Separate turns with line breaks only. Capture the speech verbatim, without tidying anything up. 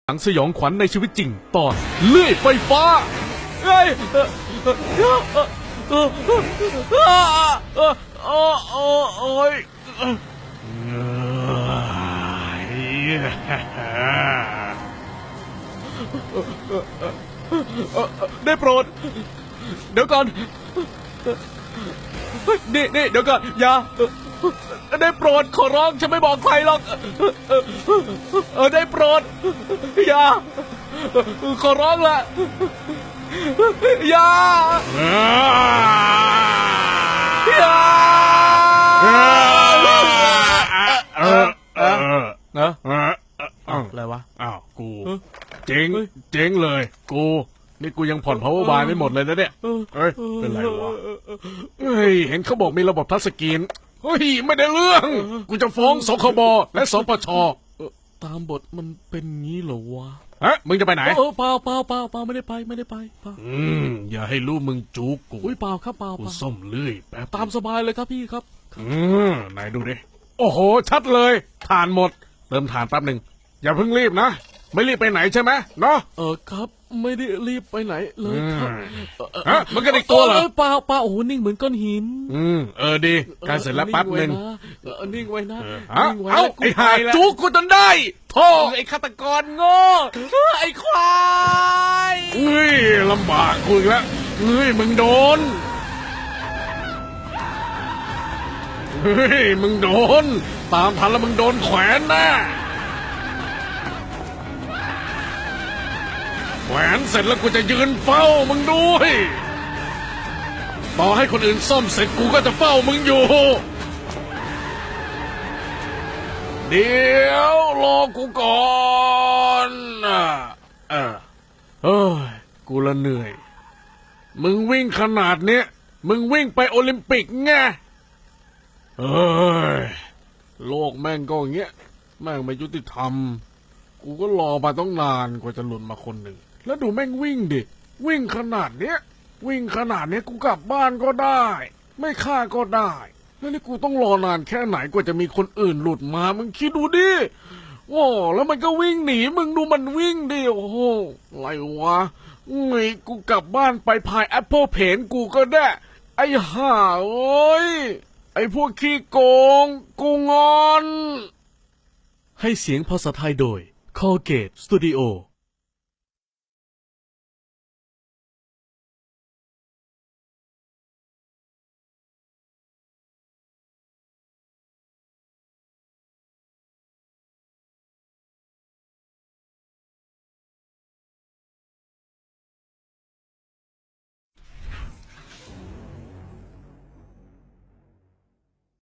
หนังสยองขวัญในชีวิตจริงตอนเลื่อยไฟฟ้าเอ้ยเออเออเออเออเออเออเออโอ้ยได้โปรดเดี๋ยวก่อนนี่นี่เดี๋ยวก่อนอย่าได้โปรดขอร้องฉันไม่บอกใครหรอกเออได้โปรดอย่าขอร้องละอย่าอย่า
เออเออ
นะอะไรวะ
อ้าวกูเจ๊งเจ๊งเลยกูนี่กูยังผ่อน power bar ไม่หมดเลยนะเนี่ยเฮ้ยเป็นไรวะเฮ้ยเห็นเขาบอกมีระบบทัชสกรีนเฮ้ยไม่ได้เรื่องกูจะฟ้องสคบและสปช
ตามบทมันเป็นงี้เหรอวะ
ฮะมึงจะไปไหน
เออเปล่าเปล่าเปล่าเปล่าไม่ได้ไปไม่ได้ไปเปล่า
อืมอย่าให้รู้มึงจูกกู
อุ้ยเปล่าครับเปล่า
กูส้มเลื่อยแป๊บ
ตามสบายเลยครับพี่ครับ
อืมไหนดูดิโอ้โหชัดเลยถ่านหมดเติมถ่านแป๊บหนึ่งอย่าเพิ่งรีบนะไม่รีบไปไหนใช่ไหมเนาะ
เออครับไม่ได้รีบไปไหนเลยครับ
ฮะมันก็ได้ตัวเหรอ
เปล่าเปล่าโอ้โหนิ่งเหมือนก้อนหิน
อืมเออดีการเสร็จแล้วแป๊บหนึ่ง
นิ่งไว้นะ
นิ่งไว้นะเอาไอ้หายจุกกูจนได้โธ่
ไอ้ฆาตกรโง่ไอ้ควาย
เฮ้ยลำบากกูอีกแล้วเฮ้ยมึงโดนเฮ้ยมึงโดนตามทันแล้วมึงโดนแขวนแน่แขวนเสร็จแล้วกูจะยืนเฝ้ามึงด้วยต่อให้คนอื่นซ่อมเสร็จกูก็จะเฝ้ามึงอยู่เดี๋ยวรอกูก่อนเออเฮ้ยกูละเหนื่อยมึงวิ่งขนาดเนี้ยมึงวิ่งไปโอลิมปิกไงเฮ้ยโลกแม่งก็อย่างเงี้ยแม่งไม่ยุติธรรมกูก็รอมาต้องนานกว่าจะหลุดมาคนหนึ่งแล้วดูแม่งวิ่งดิวิ่งขนาดเนี้ยวิ่งขนาดเนี้ยกูกลับบ้านก็ได้ไม่ฆ่าก็ได้แล้วนี่กูต้องรอนานแค่ไหนกว่าจะมีคนอื่นหลุดมามึงคิดดูดิโอ้แล้วมันก็วิ่งหนีมึงดูมันวิ่งดิโอ้โหอะไรวะไงกูกลับบ้านไปพายแอปเปิลเพนกูก็ได้ไอ้ห่าเอ้ยไอ้พวกขี้โกงกูงอน
ให้เสียงภาษาไทยโดย Colgate Studio